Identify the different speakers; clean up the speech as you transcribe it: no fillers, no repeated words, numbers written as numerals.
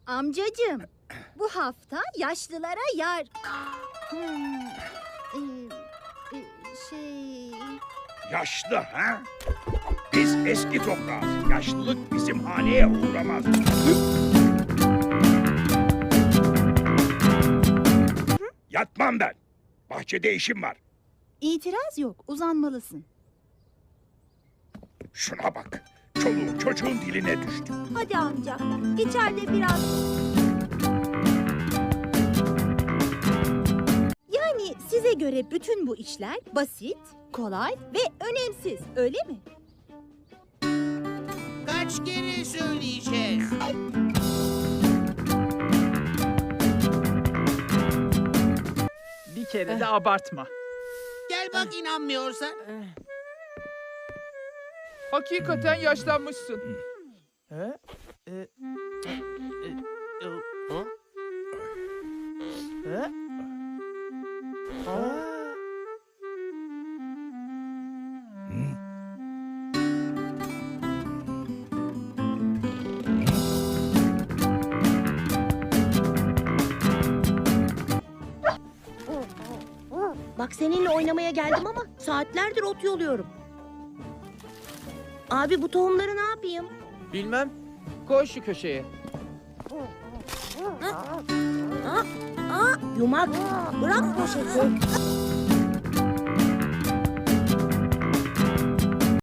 Speaker 1: Amcacığım, bu hafta yaşlılara yar... şey...
Speaker 2: Yaşlı ha? Biz eski toprağız. Yaşlılık bizim haneye uğramaz. Yatmam ben. Bahçede işim var.
Speaker 1: İtiraz yok, uzanmalısın.
Speaker 2: Şuna bak. Çoluğun çocuğun diline düştü.
Speaker 1: Hadi amca, içeride biraz... Yani size göre bütün bu işler basit, kolay ve önemsiz, öyle mi?
Speaker 3: Kaç kere söyleyeceğiz?
Speaker 4: Bir kere de abartma.
Speaker 3: Gel bak inanmıyorsan.
Speaker 4: Hakikaten yaşlanmışsın.
Speaker 5: Bak seninle oynamaya geldim ama saatlerdir ot yoluyorum. Abi bu tohumları ne yapayım?
Speaker 4: Bilmem. Koy şu köşeye.
Speaker 5: Yumak, bırak poşeti.